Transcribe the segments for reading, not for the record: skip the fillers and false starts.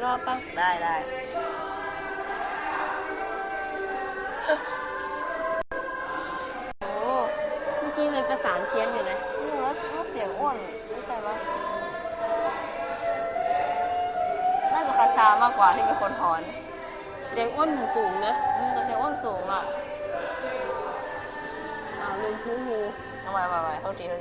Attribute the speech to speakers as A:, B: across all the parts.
A: รอบป่ะ
B: ได้
A: โอ้เมื่อกี้เลยประสานเพี้ยนอยู่เลย
B: แล้วเสียงอ้วนไม่ใช่ปะน่าจะคาชามากกว่าที่เป็นคนถอน
A: เสียงอ้วนสูงนะ
B: แต่เสียงอ้วนสูงอ่ะ
A: ลืมพื้นงู
B: ทำไมโทษที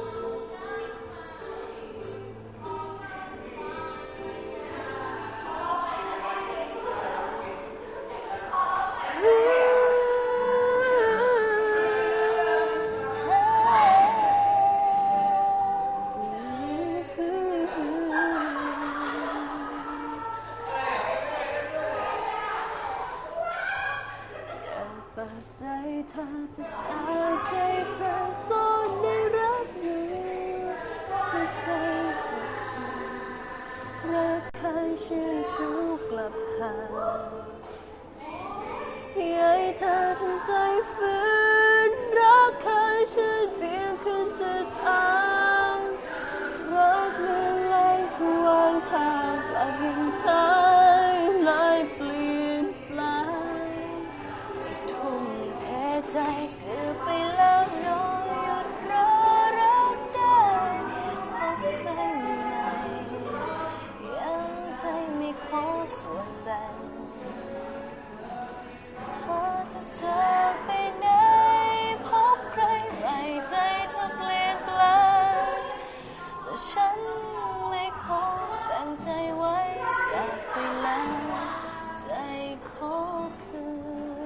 A: ใจเธอจะจากใจใครซ่อนในรักอยู่หัวใจรักใครชื่นชูกลับหาให้เธอทำใจฝืนรักใครฉันเปลี่ยนขึ้นจะทางรักเมื่อไรทุกวันทางกลับยังใช้ลายเปลี่ยนแปลงจะทุ่มเทใจเกือบไปแล้วน้องหยุดรอรักได้พบใครใหม่ยังใจไม่ขอส่วนแบ่งเธอจะจากไปไหนพบใครใหม่ใจเธอเปลี่ยนแปลงแต่ฉันไม่ขอแบ่งใจไว้จากไปแล้วใจขอคืน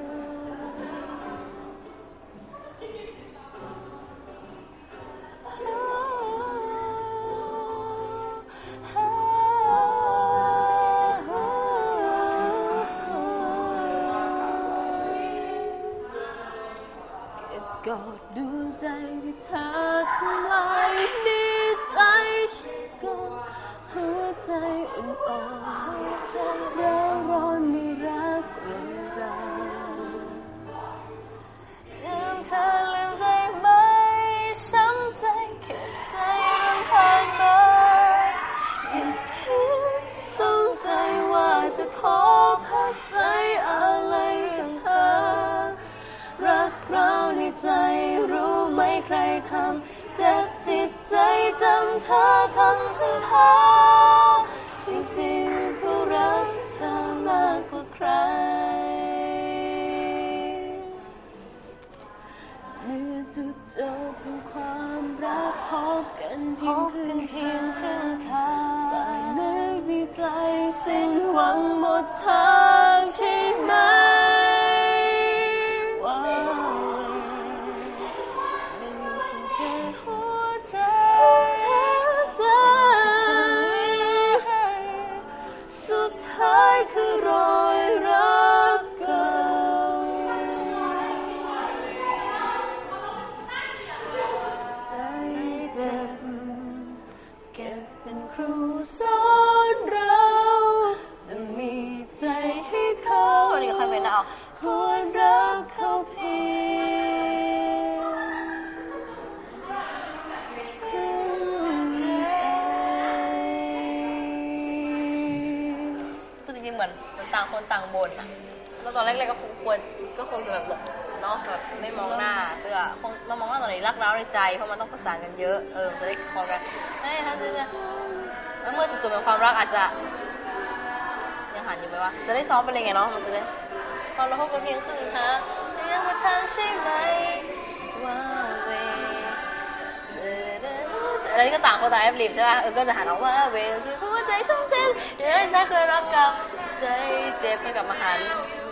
A: กอดดูใจที่เธอทำลายนี่ใจฉันก็หัวใจอ่อนๆใจร้อนร้อนไม่รักรุนแรงลืมเธอลืมได้ไหมช้ำใจเข็ดใจมันผ่านมาหยุดคิดต้องใจว่าจะขอพักใจอะไรเรื่องเธอรักเราในใจรู้ไหมใครทำเจ็บจิตใจจำเธอทั้งฉันหาจริงๆเขารักเธอมากกว่าใครเมื่อจุดจบของความรักพบกันเพียงครึ่งทางไม่มีใจสิ้นหวังหมดทางใช่ไหมสุดท้ายคือรอยรักเก่าใจเจ็บเก็บเป็นครูสอนเราจะมีใจให้เขา
B: วันนี้ก็ค่อยเป็นเอา
A: ควรรักเขาเพียงครึ่งใจ
B: คือจริงๆเหมือนต่างคนต่างบ่นอะแล้วตอนแรกๆก็คงจะแบบเนาะแบบไม่มองหน้าเตื้อคงมามองหน้าตอนไหนรักร้าวในใจเพราะมันต้องประสานกันเยอะจะได้คอกันถ้าจะแล้วเมื่อจุดจบของความรักอาจจะยังหันอยู่ไหมวะจะได้ซ้อมไปเลยไงเนาะมันจะได้ความรักก็เพียงครึ่งทางเรื่องว่าทางใช่ไหมว่าเวอะไรนี่ก็ต่างคนต่างแอบรีบใช่ป่ะก็จะหันออกว่าเวรจะหัวใจชุ่มเจ็บเดี๋ยวใจเคยรักกับใจเจ็บให้กลับมาหัน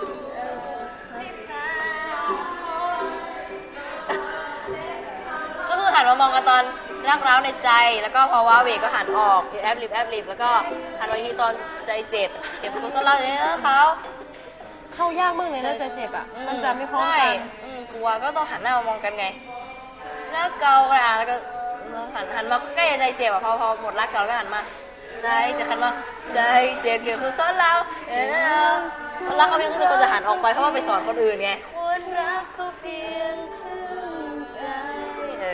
B: ก็คือหันมามองกันตอนรักร้าวในใจแล้วก็พอว้าเวก็หันออกแอบรีบแล้วก็หันมาทีตอนใจเจ็บเก็บกุศลเราอย่างนี้นะเขา
A: เข้ายากมากเลยนะใจเจ็บอ่ะมันจะไม่พร้อมกัน
B: กลัวก็ต้องหันหน้ามามองกันไงแล้วเกากันแล้วก็หันมาใกล้ใจเจ็บอ่ะพอหมดรักเก่าแล้วก็หันมาใจจะหันมาใจเจ็บเกี่ยวกับซ้อนเรารักเขาเพียงคือคนจะหันออกไปเพราะว่าไปสอนคนอื่นไงคนรักเขาเพียงครึ่งใจ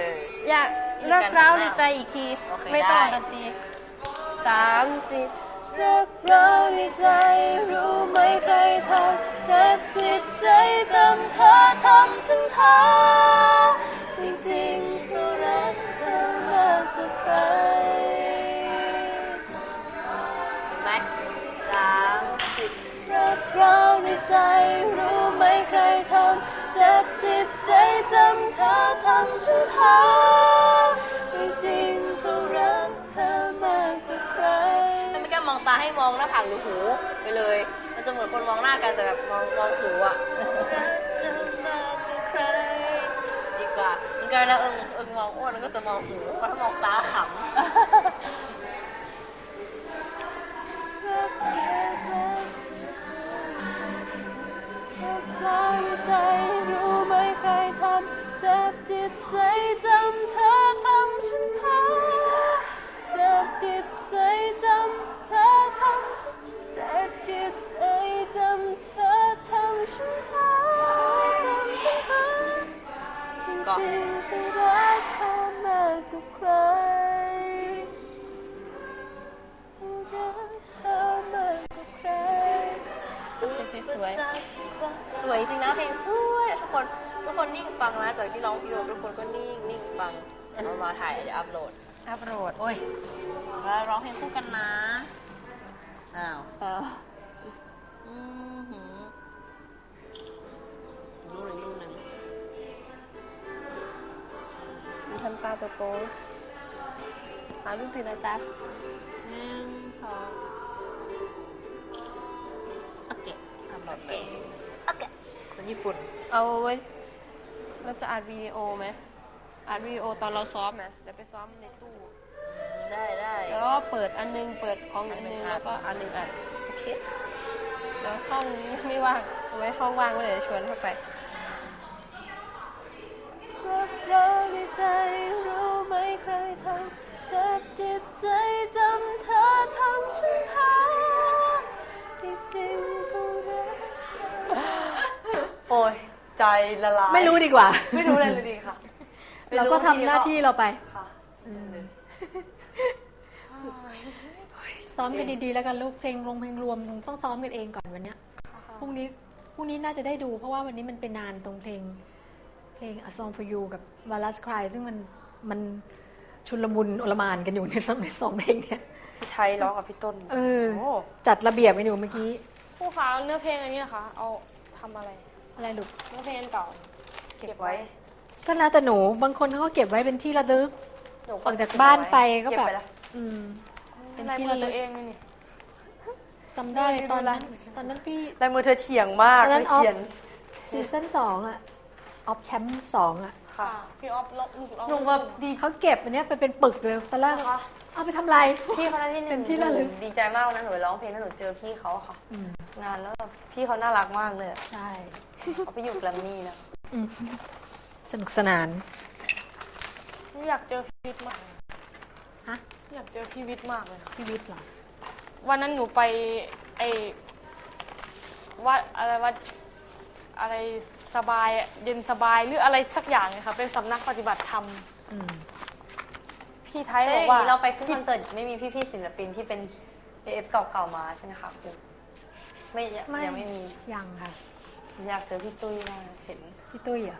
A: อยากรักร้าวในใจอีกทีไม่ต้องดนตรี3 4 รักเราในใจรู้ไหมใครทำเจ็บจิตใจจำเธอทำฉันหาจริงๆเพราะรักเธอมากกว่าใคร
B: เห็นไหม30
A: รักเราในใจรู้ไหมใครทำเจ็บจิตใจจำเธอทำฉันหาจริงๆเพราะรักเธอมากกว่าใคร
B: ถ้าไม่กล้ามองตาให้มองหน้าผากหรือหูไปเลยมันจะเหมือนคนมองหน้ากันแต่แบบมองหูอ่ะ
A: รักเธอมากกว่าใคร
B: ดีกว่ามันก็แล้วมองอ้วนมันก็จะมองหูเพราะถ้ามองตาขำ
A: รักใจรู้ไหมใครทำเจ็บจิตใจจำเธอทำฉันหาเจ็บจิตใจจำเธอทำฉันเจ็บจิตใจจำเธอทำฉันหาทำฉันหาจริงๆคือรักเธอมากกว่าใครรักเธอมากกว่าใคร
B: สวยจริงนะเพลงสวยทุกคนนิ่งฟังนะจากที่ร้องพี่โอทุกคนก็นิ่งฟังเอามาถ่ายเดี๋ยวอัพโหลดโอ้ยแล้วร้องเพลงคู่กันนะอ้าวอีกรูปหนึ่ง
A: มีทำตาโตๆหาลูกทีละตา
B: พอโอเคคนญี่ปุ่น
A: เอาไว้เราจะอัดวิดีโอไหมอัดวิดีโอตอนเราซ้อมไหมเดี๋ยวไปซ้อมในตู้
B: ได้
A: แล้วก็เปิดอันนึงเปิดของอันนึงแล้วก็อันนึงอัดโอเคแล้วห้องนี้ไม่ว่างเอาไว้ห้องว่างก็เดี๋ยวชวนเข้าไปรักเราในใจรู้ไหมใครทำเจ็บจิตใจจำเธอทำฉันหาที่จริงผู้รัก
B: โอ้ยใจละลาย
C: ไม่รู้ดีกว่า
B: ไม่รู้เลยดีค่ะ
C: เราก็ทำหน้าที่เราไปซ้อมกันดีๆแล้วกันลูกเพลงรวมต้องซ้อมกันเองก่อนวันเนี้ยพรุ่งนี้น่าจะได้ดูเพราะว่าวันนี้มันเป็นนานตรงเพลง A Song for You กับ Valas Cry ซึ่งมันชุลมุนโอลหม่านกันอยู่ในสองเพลงเนี่ย
A: พี่ไทยร้องกับพี่ต้น
C: จัดระเบียบกันอยู่เมื่อกี้
A: ผู้ค้าเนื้อเพลงอันนี้นะคะเอาทำอะไร
C: ลูก
A: เนื้อเพลงเก่าเก็บไว้
C: ก็แล้วแต่หนูบางคนเขาก็เก็บไว้เป็นที่ระลึกออกจากบ้านไปก็แบบ
A: เป็นที่ระลึกเองนี่
C: จำได้ตอนนั้นพี่
A: ลายมือเธอเฉียงมาก
C: เลยเขียนซีซั่น2อะออฟแชมป์2อะ
A: ค่ะพี่ออฟ
C: หนูแบบดีเขาเก็บอันนี้ไปเป็นปึกเลยตอนแรกเอาไปทำไร
A: พี่เขาได้ที่
C: เป็นที่ระลึก
A: ดีใจมากนะหนูไปร้องเพลงแล้วหนูเจอพี่เขาค่ะงานแล้วพี่เขาน่ารักมากเลย
C: ใช่
A: เขาไปอยู่แกรมมี่นะ
C: สนุกสนาน
A: อยากเจอพี่วิทย์มาก
C: ฮะ
A: อยากเจอพี่วิทย์มากเลย
C: พี่วิทย์เหรอ
A: วันนั้นหนูไปวัดอะไรสบายเย็นสบายหรืออะไรสักอย่างเลยค่ะเป็นสำนักปฏิบัติธรรมพี่ไทยบอกว่า
B: เราไปขึ้นคอนเสิร์ตไม่มีพี่ๆศิลปินที่เป็น AF เก่าๆมาใช่ไหมคะครูไม่ยังไม่มี
C: ยังค่ะ
B: อยากเจอพี่ตุ้ยมากเห็น
C: พี่ตุ้ยอ่ะ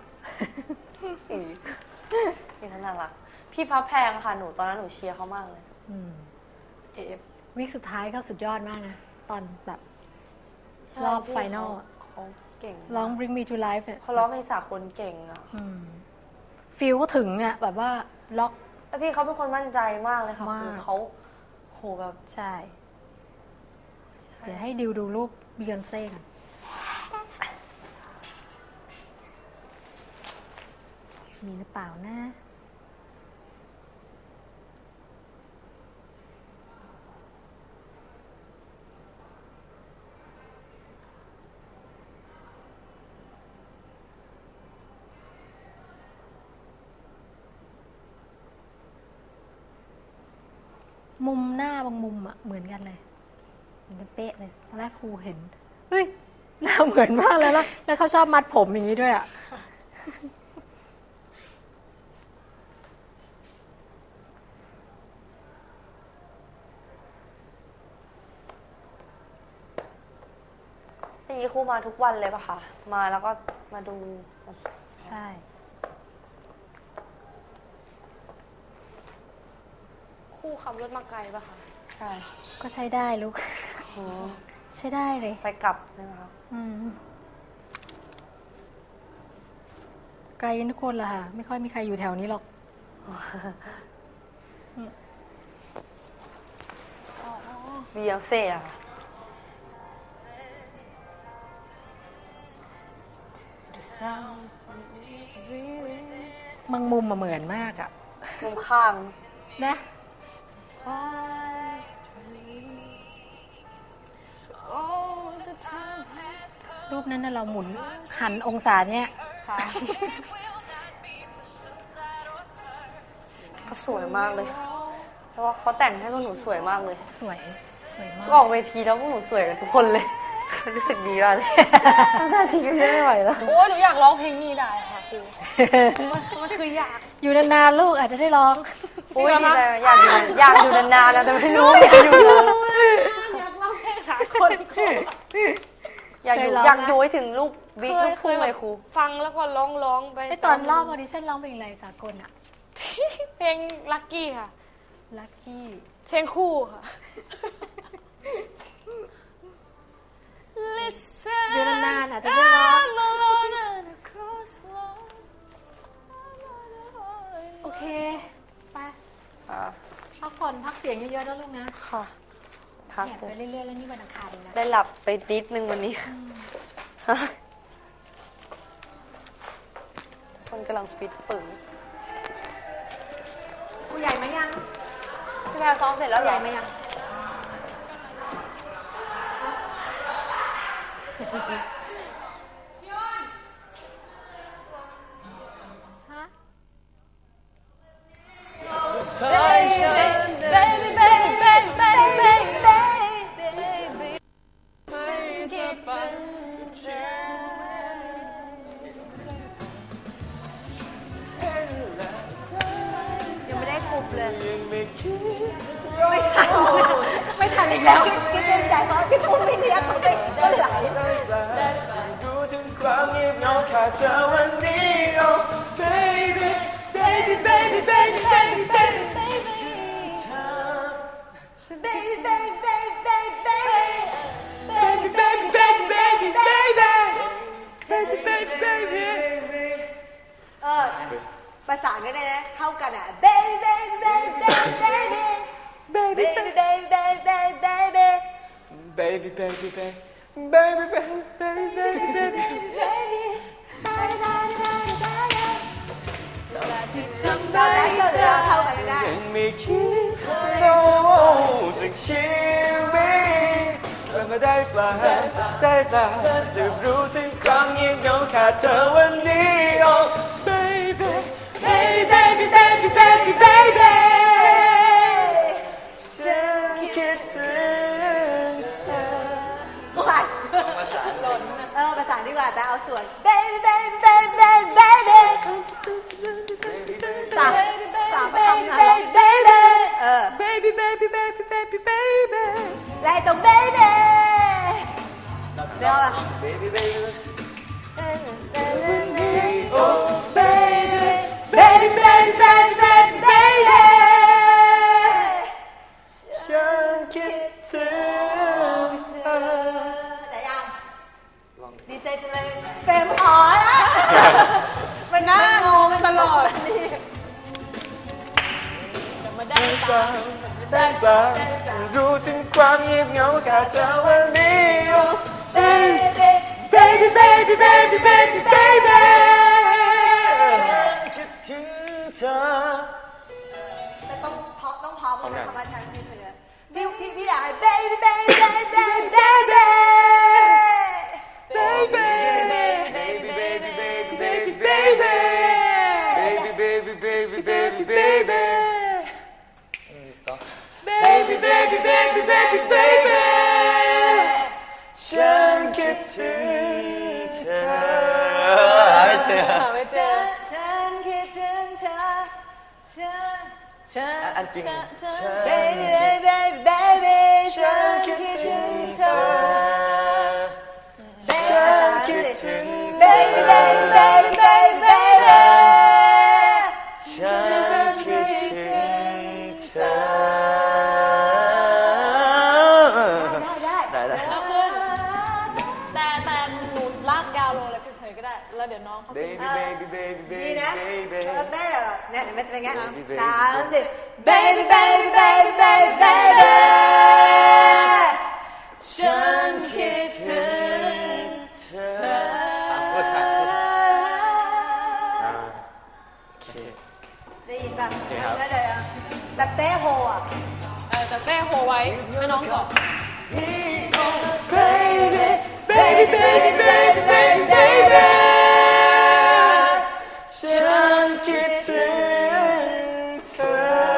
B: พี่เขาน่ารักพี่พับแพงค่ะหนูตอนนั้นหนูเชียร์เขามากเลย
C: AF วิกสุดท้ายเขาสุดยอดมากนะตอนแบบรอบไฟนอล
B: เขาเก่ง
C: ร้อง Bring Me to Life เนี่ย
B: เขาร้องเพลงสากลเก่งอ่ะ
C: ฟีลก็ถึงเนี่ยแบบว่าล็อก
B: แล้วพี่เขาเป็นคนมั่นใจมากเลยค่ะเขาโหแบบ
C: ใช่เดี๋ยวให้ดิวดูรูปบิยอนเซ่กันมีหรือเปล่านะมุมหน้าบางมุมอะเหมือนกันเลยเหมือนกันเป๊ะเลยตอนแรกครูเห็นเฮ้ยหน้าเหมือนมากเลยแล้วเขาชอบมัดผมอย่างนี้ด้วยอะ
D: อย่างนี้ครูมาทุกวันเลยปะคะมาแล้วก็มาดู
C: ใช่
A: ครูขับรถมาไกลปะคะ
D: ใช่
C: ก็ใช้ได้ลูกใช้ได้เลย
D: ไปกลับใช่ไหมคะ
C: ไกลทุกคนละค่ะไม่ค่อยมีใครอยู่แถวนี้หรอก
D: บียองเซ่อะ
C: บางมุมมาเหมือนมากอะ
D: มุมข้าง
C: นะรูปนั้นน่ะเราหมุนหันองศาเนี่ย
D: เขาสวยมากเลยเพราะว่าเขาแต่งให้พวกหนูสวยมากเลย
C: สวยมาก
D: ออกเวทีแล้วพวกหนูสวยกันทุกคนเลยรู้สึกดีมากเลยหน้าจริงก็ไม่ไหวแล้ว
A: โอ้ยหนูอยากร้องเพลงนี้ได้ค่ะครูมันคืออยาก
C: อยู่นานๆลูกอาจจะได้ร้อง
D: โอ้ยดีเลยอยากอยู่นานๆแล้วแต่ไม่รู้อยากอยู่
A: อยากร้องเพลงสากล
D: อยากอยู่ให้ถึงลูกบิ๊กลูกทุ่งเลยครู
A: ฟังแล้วก็ร้องไป
C: ตอนรอบออดิชั่นร้องเพลงอะไรสากลอะ
A: เพลงลัคกี้ค่ะ
C: ลัคกี้
A: เพลงคู่ค่ะ
C: อยู่นานๆอาจจะได้ร้องโอเคไปพักผ่อนพักเสียงเยอะๆนะลูกนะ
D: ค่ะพัก
C: ไปเรื่อยๆแล้วนี่วันอังคารเองนะ
D: ได้หลับไปนิดนึงวันนี้คนกำลังฟิตปึ๋ง
C: ผู้ใหญ่มายัง
D: พี่แพรซ้อมเสร็จแล้ว
C: ใหญ่มายัง
D: สุดท้ายฉัน baby baby baby baby baby ไม่คิดถึงฉันยังไม่ได้ครบเลย
C: ไม่ทันอีกแล้ว
D: คิดเป็นใจเพราะพี่ปุ้มไม่เลี้ยงเขาไปก็ไหลดูถึงความเงียบเหงาขาดเธอวันนี้ oh baby baby baby baby baby baby baby baby baby baby baby baby baby ประสานกันได้นะเท่ากันอ่ะ baby baby baby baby baby baby baby baby baby baby baby baby baby ทำได้เราเท่ากันได้ยังไม่คิดเราสักชีวิตมาได้ปลาได้ปลาได้รู้ถึงความเงียบเหงาขาดเธอวันนี้ oh baby baby baby baby baby baby ฉันคิดถึงเธอประสานประสานดีกว่าแต่เอาส่วน baby baby baby baby baby สามbaby baby baby baby baby baby baby ไล่ตรง baby เดี๋ยวอ่ะ baby baby oh baby baby baby baby baby ฉันคิดถึงเธอแต่ยังดีใจจังเลยเฟรมอ๋อละมันน่างงตลอดนี่มาได้ปะรู้ถึงความเงียบเหงาขาดเธอวันนี้ oh baby baby baby baby baby baby คิดถึงเธอแต่ต้องพร้อมต้องพร้อมกันคำว่าฉันคิดถึงพี่อยากให้ baby baby baby baby baby baby baby baby baby baby baby baby baby baby baby baby ฉันคิดถึงเธอไม่เจอฉันคิดถึงเธอฉันอันจริง baby baby baby ฉันคิดถึงเธอดีนะเต้เนี่ยเห็นไหมเป็นไง30 baby baby baby baby baby ฉันคิดถึงเธอได้ยินป่ะแล้วเดี๋ยวแบบเต้โฮอ่ะ
A: แต่เต้โฮไว้ให้น้องก่อน
D: baby baby baby baby baby baby ฉันคิดถึงเธอ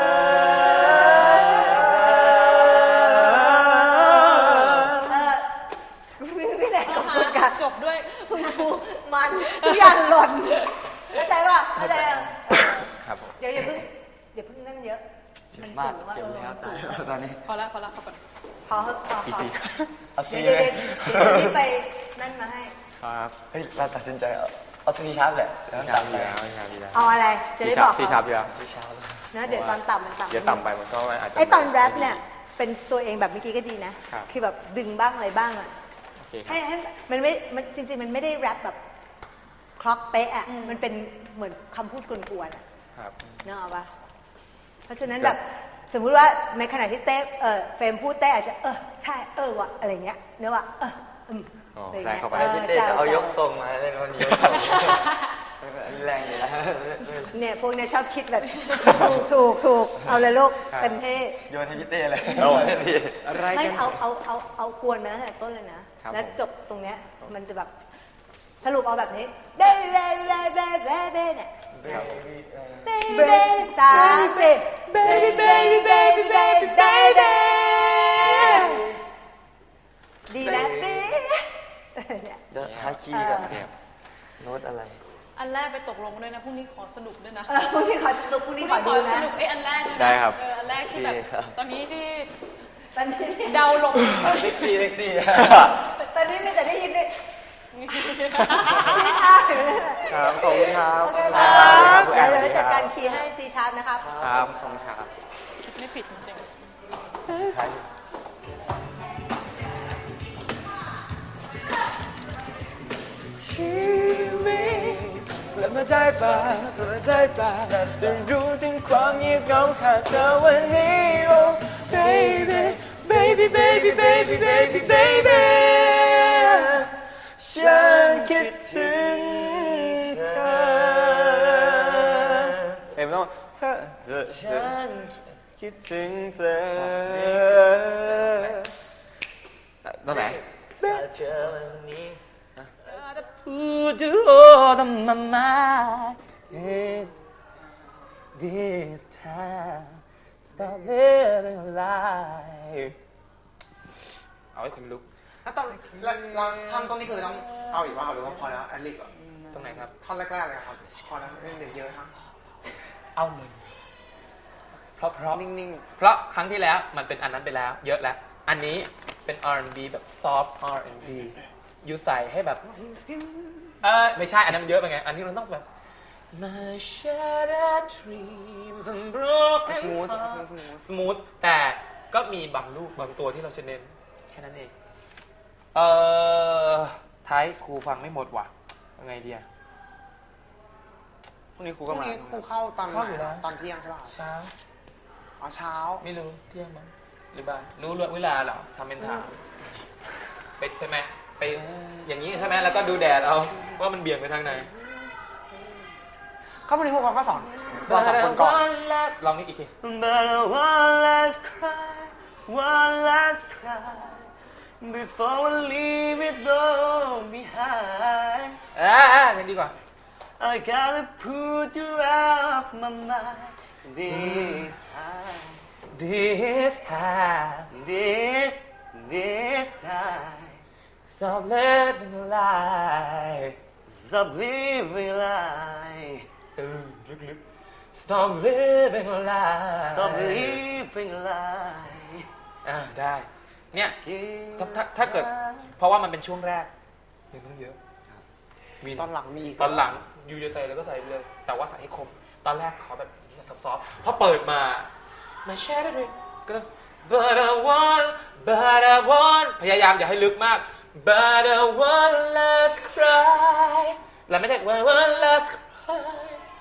D: พี่แหนขอบคุณค่ะ
A: จบด้วย
D: คุณครูมันทุกอย่างหล่นเข้าใจป่ะเข้าใจยัง
E: ครับผม
D: เดี๋ยวอย่าเพิ่งนั่นเยอะมันสูงว่า
E: เจ็บแล้วตายตอนนี้
A: พอแล้วก่อน
D: พอ
E: พีซีเอาซี
D: เดี๋ยว
E: ไหม
D: นี่ไปนั่นมาให้
E: ครับเฮ้ยเราตัดสินใจเอาซีชาร์ปแหละแล้วต่ำไปแล้ว
D: เอาอะไรจะได้บอก
E: ซีชาร์ปดีกว่าซีชาร์ป
D: นะเดี๋ยวตอนต่ำมันต่ำ
E: เดี๋ยวต่ำไปมันก็อาจจะ
D: ไอตอนแรปเนี่ยเป็นตัวเองแบบเมื่อกี้ก็ดีนะคือแบบดึงบ้างอะไรบ้างอ่ะให้มันไม่มันจริงๆมันไม่ได้แรปแบบคล็อกเป๊ะอ่ะมันเป็นเหมือนคำพูดกวนๆอ่ะ
E: ครับ
D: เนอะป่ะเพราะฉะนั้นแบบสมมุติว่าในขณะที่เต้เฟรมพูดเต้อาจจะใช่วะอะไรเงี้ยเนอะวะ
E: ใช่เข้าไป
F: เต้จะเอายกทรงมาเล่นวันนี้ยกทรงแรงอยู่แล้ว
D: เนี่ยพวกเนี่ยชอบคิดแบบถูกเอาเลยลูกเต็มที่
F: โยนให้พี่เต้เลย
E: โอ้
F: อะไร
D: ไม่
F: กัน
D: เอากวนมาตั้งแต่ต้นเลยนะแล้วจบตรงเนี้ยมันจะแบบสรุปเอาแบบนี้เบ้เนี่ย baby 30 baby baby baby baby baby ดีนะดี
F: เดี๋ยวหาคีย์กันโน้ตอะไร
A: อันแรกไปตกลงด้วยนะพรุ่งนี้ขอสนุกด้วยนะ
D: พรุ่งนี้ขอสนุกพรุ่งนี้ขอดู
A: ส
D: นะ
A: นุกอันแรกด้วยนะ
E: ได้ครับ
A: อันแรกที่แบบ
F: โอเคครับ
A: ตอนนี้ที่
D: ตอนนี้
A: เดาลง
F: เซ็กซี่
D: ตอนนี้มีแต่ได้ยินเลย
E: ครับขอบคุณครับ
D: โอเคครับเดี๋ยวจะไปจัดการคีย์ให้ C sharp นะครับ
E: ครับขอบคุณครับ
A: คิดไม่ผิดจริง
F: ชีวิตและมาได้ป่ะได้รู้ถึงความเงียบเหงาขาดเธอวันนี้ oh baby baby baby baby baby baby ฉันคิดถึงเธอ
E: เห็นไหมต้อง
F: ฉัน
E: คิดถึงเธอตรงไหน
F: ถ้าเธอวันนี้Put you all on my mind this time stop living life
E: เอาให้คนลุก
G: แล้วตอนเราท่อนตรงนี้คือต้องเอาอีกว่าหรือว่าพอแล้วแอดลิบอ่ะ
E: ตรงไหนครับ
G: ท่อนแรกๆเลยครับพอแล้วไม่เหลือเยอะครับ
H: เอาเลยเพราะ
G: นิ่ง
H: เพราะครั้งที่แล้วมันเป็นอันนั้นไปแล้วเยอะแล้ว อันนี้เป็น R&B แบบ soft R&B อยู่ใส่ให้แบบไม่ใช่อันนั้นเยอะไปไงอันนี้เราต้องแบบ My shattered dreams and broken hearts smooth แต่ก็มีบางลูกบางตัวที่เราจะเน้นแค่นั้นเองท้ายครูฟังไม่หมดว่ะยังไงดีอะ
E: พรุ่งนี้ครู
G: ๆพ
E: ก็
G: รุ่ง
E: มา
G: นี้ครูเข้าตอนไห
H: เข้าอยู่แล้ว
G: นตอนเที่ยงใช่ป่ะ
H: เช้า
G: อ๋อเช้า
H: ไม่รู้เที่ยงมั้งหรือบ่ายรู้เวลาเหรอทำเป็นถามไปใช่ไหมไปอย่างนี้ใช่ไหมแล้วก็ดูแดดเอาว่ามันเบี่ยงไปทางไหน
G: เข้าพรุ่งนี้พวกเขาก็สอนเราสองคนก่อน
H: ลองนี่อีกที
F: But one last cry one last cry before we leave it all behind
H: เพลงดีกว่า
F: I gotta put you off my mind this time
H: This time
F: this time
H: Stop living a lie
F: stop living life
H: ลึกๆ Stop living a lie
F: stop living life
H: ได้ เนี่ยถ้าเกิด เพราะว่ามันเป็นช่วงแรกยังต้องเยอะมี
G: ตอนหลังมีอีก
H: ตอนหลังยูจะใส่แล้วก็ใส่ไปเลย แต่ว่าใส่ให้คม ตอนแรกขอแบบนี้ซอฟต์ๆพอเปิดมา My shadow dream ก็ But I want พยายามอย่าให้ลึกมาก But I want last cry แล้วไม่ได้ One last cry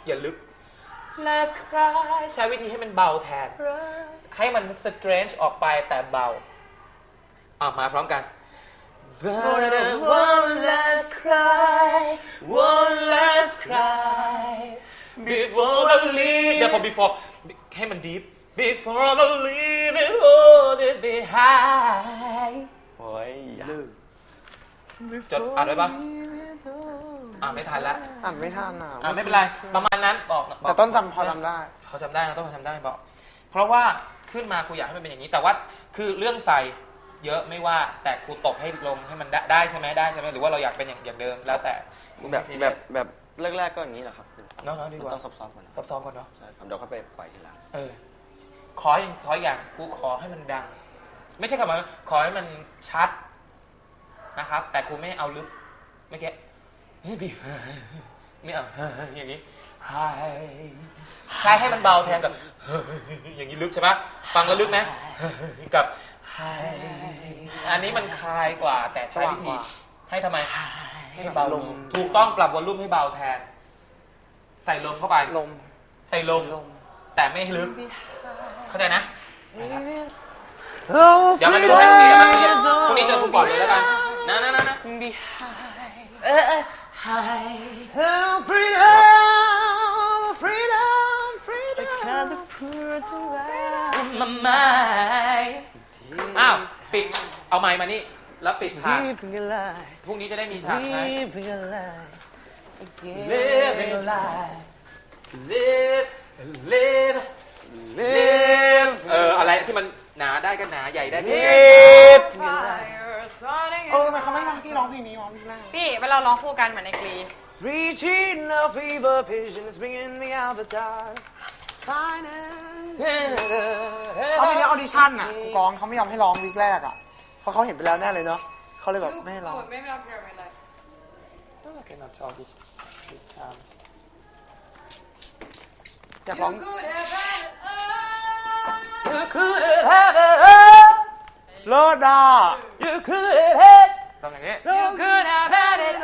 H: อย่าลึก Let's cry ใช้วิธีให้มันเบาแทน ให้มัน strange ออกไปแต่เบามาพร้อมกัน But one last cry one last cry before the leave เดี๋ยวพอ before ให้มัน deep before the leave it hold it behind
E: โอ้ยลืม
H: จดอ่านไว้ปะไม่ทันละ
G: อ่านไม่ทันอ่ะ
H: ไม่เป็นไรประมาณนั้นบอก
G: แต่ต้นจำพอจำได้
H: เขาจำได้นะต้องทำได้บอกเพราะว่าขึ้นมาครูอยากให้มันเป็นอย่างนี้แต่ว่าคือเรื่องใส่เยอะไม่ว่าแต่ครูตบให้ลงให้มันได้ใช่ไหมได้ใช่ไหมหรือว่าเราอยากเป็นอย่างเดิมแล้วแต่
E: แบบแรกๆก็อย่างนี้แหละครับ
H: น้องๆดีกว่า
E: ต้องซ้อมๆก่อนนะ
H: ซ้อมๆก่อนเนาะ
E: ใช่ครับเดี๋ยวค่อยไปปล่อยทีหลัง
H: ขออย่างครูขอให้มันดัง ไม่ใช่คำว่าขอให้มันชัดนะครับแต่ครูไม่เอาลึกเมื่อกี้ไม่เอาอย่างนี้ใช้ให้มันเบาแทนกับอย่างนี้ลึกใช่ปะฟังแล้วลึกไหมกับอันนี้มันคลายกว่าแต่ใช้วิธีให้ทำไมให้เบาลงถูกต้องปรับวอลลุ่มให้เบาแทนใส่ลมเข้าไปใส่ลมแต่ไม่ให้ลึกเข้าใจนะเดี๋ยวมาดูให้พรุ่งนี้เจอครูก่อนเลยแล้วกันนะอ้าวปิดเอาไมค์มานี่แล้วปิดฉากพรุ่งนี้จะได้มีฉากไหม Living a life live อะไรที่มันหนาได้ก็หนาใหญ่ได้ก็ใหญ่
G: ทำไมเขาไม่ร้องพี่ร้องเพลงนี้วะพี่แรก
I: พี่เวลาร้องคู่กันเหมือนในกรี
F: Reaching a fever pitch and it's bringing me out the dark
G: เอาไปเนี้ยออดิชั่นอ่ะกูกองเขาไม่ยอมให้ร้องวีคแรกอ่ะเพราะเขาเห็นไปแล้วแน่เลยเนาะเขาเลยแบบไม่ให้ร้อง
I: ไม่ร้องเพลงอะไร
G: อยากร้อง
H: You could have it
G: เลิศอ่ะ
H: You could have ต้องอย่างนี้
I: You could have had it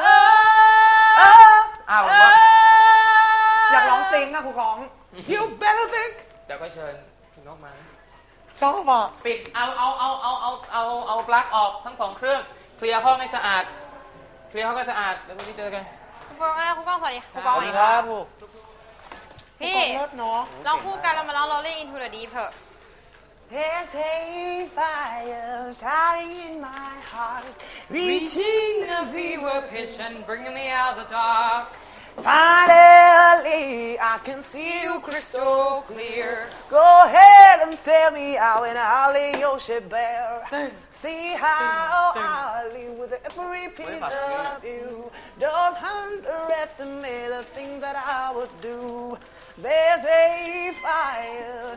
G: อยากร้องติงอ่ะครูกอง You better think
H: เดี๋ยวก็เชิญคุณนกมา
G: ชอบอ่ะ
H: ปิดเอาปลั๊กออกทั้ง2เครื่องเคลียร์ห้องให้สะอาดแล้วพรุ่งนี้เจอกัน
I: ครูกองสวัสดีครูกองสวัสดีครับพี่ร้องคู่กันเรามาร้อง Rolling into the Deep เถอะ
F: There's a fire starting in my heart
I: Reaching a fever pitch and bringing me out the dark
F: Finally I can see you
I: crystal clear
F: Go ahead and tell me out and I'll lay your shit bare See how I live with every piece of you Don't underestimate the things that I would do There's a